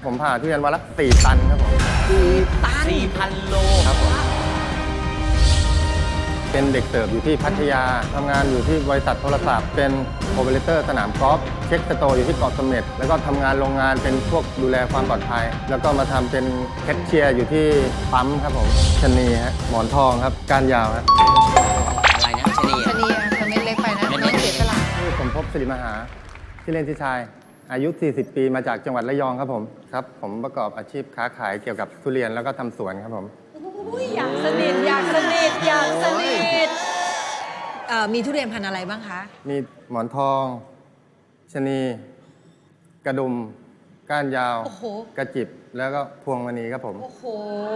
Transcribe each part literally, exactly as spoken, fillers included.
ผมผ่าทุเรียนวันละสี่ตันครับผมสี่ตันสี่พันโลครับผมเป็นเด็กเสิร์ฟอยู่ที่พัทยาทำงานอยู่ที่บริษัทโทรศัพท์เป็นโอเปอเรเตอร์สนามกอล์ฟเช็คสโตร์อยู่ที่เกาะเสม็ดแล้วก็ทำงานโรงงานเป็นพวกดูแลความปลอดภัย แล้วก็มาทำเป็นแคชเชียร์อยู่ที่ปั๊มครับผมชะนีฮะหมอนทองครับก้านยาวฮะอะไรนะชะนีชะนีอะทำเม็ดเล็กไปนะน้องเสียสละชื่อสมภพสิริมหาที่อเล่นที่ชาย อายุ สี่สิบ ปีมาจากจังหวัดระยองครับผมครับผมประกอบอาชีพค้าขายเกี่ยวกับทุเรียนแล้วก็ทำสวนครับผมอยากสนิทอยากสนิทอยากสนิทเอ่อมีทุเรียนพันธุ์อะไรบ้างคะมีหมอนทองชะนี กระดุม ก้านยาวโอ้โหกระจิบ แล้วก็พวงมณีครับผมโอ้โห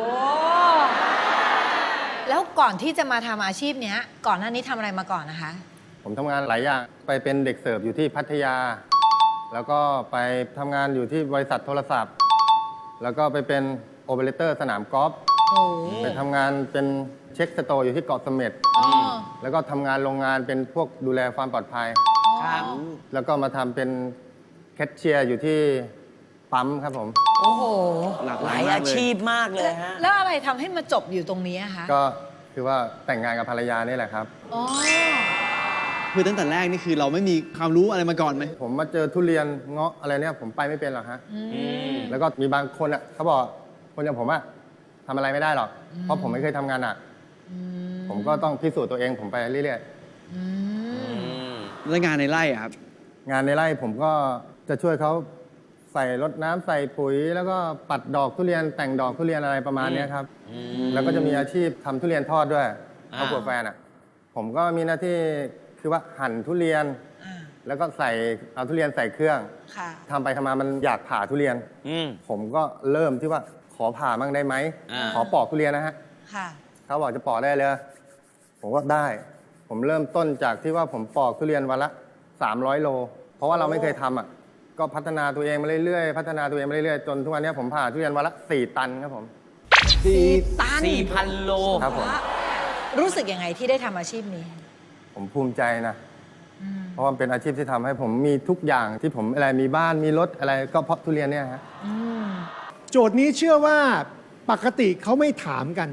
แล้วก่อนที่จะมาทำอาชีพเนี้ย ก่อนหน้านี้ทำอะไรมาก่อนนะคะผมทำงานหลายอย่างไปเป็นเด็กเสิร์ฟอยู่ที่พัทยา แล้วก็ไปทำงานอยู่ที่บริษัทโทรศัพท์ แล้วก็ไปเป็นโอเปอเรเตอร์สนามกอล์ฟโอ้ไปทำงานเป็นเช็คสโตร์อยู่ที่เกาะเสม็ดอ๋อแล้วก็ทำงานโรงงานเป็นพวกดูแลความปลอดภัยครับแล้วก็มาทำเป็นแคชเชียร์อยู่ที่ปั๊มครับผมโอ้โหหลากหหลาลาย ยมากอาเลยชีพมากเลยฮะแล้วอะไรทำให้มาจบอยู่ตรงนี้อะคะก็คือว่าแต่งงานกับภรรยานี่แหละครับอ๋อคือตั้งแต่แรกนี่คือเราไม่มีความรู้อะไรมาก่อนไหมผมมาเจอทุเรียนเงาะอะไรเนี่ยผมไปไม่เป็นหรอกฮะอือืมมแล้วก็มีบางคนอ่ะเขาบอกคนอย่างผมอ่ะทำอะไรไม่ได้หรอก เพราะผมไม่เคยทำงานหนักอืมผมก็ต้องพิสูจน์ตัวเองผมไปเรื่อยอืมแล้วงานในไร่อะครับๆ งานในไร่ผมก็จะช่วยเขาใส่รดน้ำใส่ปุ๋ย แล้วก็ปัดดอกทุเรียนแต่งดอกทุเรียนอะไรประมาณเนี้ยครับอืมแล้วก็จะมีอาชีพทำทุเรียนทอดด้วยอ่าครอบครัวแฟนอ่ะ ผมก็มีหน้าที่คือว่าหั่นทุเรียนอ่าแล้วก็ใส่เอาทุเรียนใส่เครื่องค่ะทำไปทำมามันอยากผ่าทุเรียนอืมผมก็เริ่มที่ว่าขอผ่ามั่งได้ไหมอ่าขอปอกทุเรียนนะฮะค่ะเขาบอกจะปอกได้เลย ผมก็ได้ ผมเริ่มต้นจากที่ว่าผมปอกทุเรียนวันละสามร้อยโล เพราะว่าเราไม่เคยทำอ่ะ ก็พัฒนาตัวเองมาเรื่อยๆ พัฒนาตัวเองมาเรื่อยๆ จนทุกวันนี้ผมผ่าทุเรียนวันละสี่ตันครับผมสี่ตันสี่พันโลครับผมรู้สึกยังไงที่ได้ทำอาชีพนี้ผมภูมิใจนะอืมเพราะว่ามันเป็นอาชีพที่ทำให้ผมมีทุกอย่างที่ผมอะไรมีบ้านมีรถอะไรก็เพราะทุเรียนเนี่ยฮะอืมโจทย์นี้เชื่อว่าปกติเขาไม่ถามกัน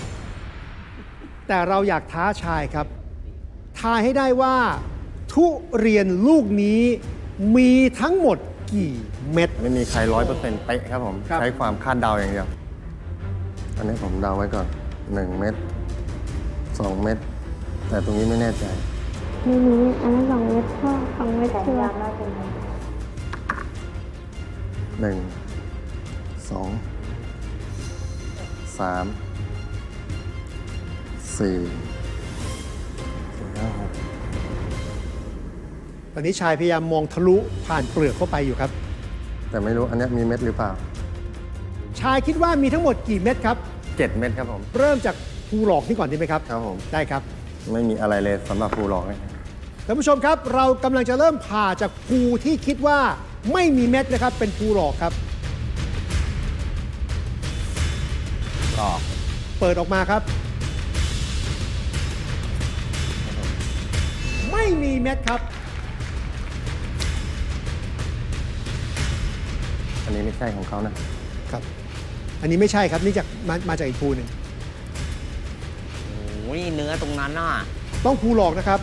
แต่เราอยากท้าชายครับ ทายให้ได้ว่า ทุเรียนลูกนี้มีทั้งหมดกี่เม็ดไม่มีใครร้อยเปอร์เซ็นต์เป๊ะครับผมครับใช้ความคาดเดาอย่างเดียว อันนี้ผมเดาไว้ก่อนหนึ่งเม็ดสองเม็ดแต่ตรงนี้ไม่แน่ใจไม่รู้อันนั้นสองเม็ดก็สองเม็ดชัวร์หนึ่งสองสามสี่สี่ห้าหกตอนนี้ชายพยายามมองทะลุผ่านเปลือกเข้าไปอยู่ครับแต่ไม่รู้อันเนี้ยมีเม็ดหรือเปล่าชายคิดว่ามีทั้งหมดกี่เม็ดครับเจ็ดเม็ดครับผมเริ่มจากภูหลอกนี่ก่อนดีไหมครับครับผมได้ครับไม่มีอะไรเลยสำหรับภูหลอกเนี่ยท่านผู้ชมครับ เรากำลังจะเริ่มผ่าจากภูที่คิดว่าไม่มีเม็ดนะครับ เป็นภูหลอกครับหลอกเปิดออกมาครับ ไม่มีเม็ดครับอันนี้ไม่ใช่ของเขานะครับ อันนี้ไม่ใช่ครับ นี่จากมามาจากอีกภูหนึ่งโอ้ยเนื้อตรงนั้นน่ะต้องภูหลอกนะครับ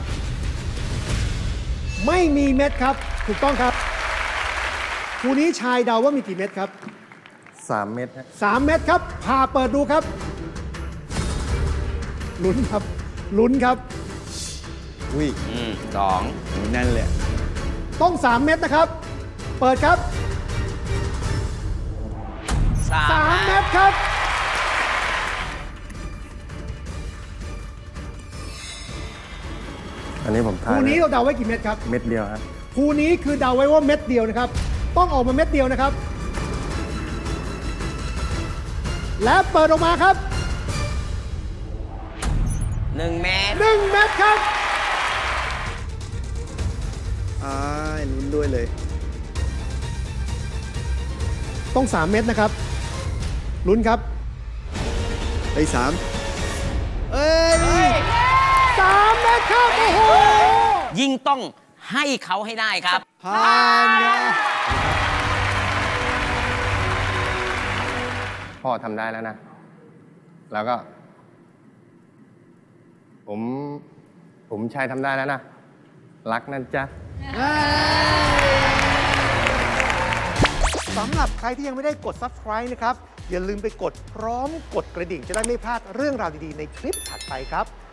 ไม่มีเม็ดครับ ถูกต้องครับภูนี้ชายเดาว่ามีกี่เม็ดครับสามเม็ดฮะสามเม็ดครับผ่าเปิดดูครับ ลุ้นครับ ลุ้นครับอุ้ยอืมสองโหแน่นเลยอะต้องสามเม็ดนะครับ เปิดครับสามสามเม็ดครับอันนี้ผมทาภูยนี้เราเดาไว้กี่เม็ดครับเม็ดเดียวฮะภูนี้คือเดาไว้ว่าเม็ดเดียวนะครับ ต้องออกมาเม็ดเดียวนะครับ และเปิดออกมาครับหนึ่งเมตรหนึ่งเม็ดครับอ้ายลุ้นด้วยเลยต้องสามเม็ดนะครับ ลุ้นครับไอ้ยสามเอ้ยสามเม็ดครับ โอ้โหยิ่งต้องให้เขาให้ได้ครับผ่านครับพ่อทำได้แล้วนะ แล้วก็ ผม ผมชายทำได้แล้วนะ รักนะจ๊ะสำหรับใครที่ยังไม่ได้กด Subscribe นะครับ อย่าลืมไปกดพร้อมกดกระดิ่งจะได้ไม่พลาดเรื่องราวดี ๆ ในคลิปถัดไปครับ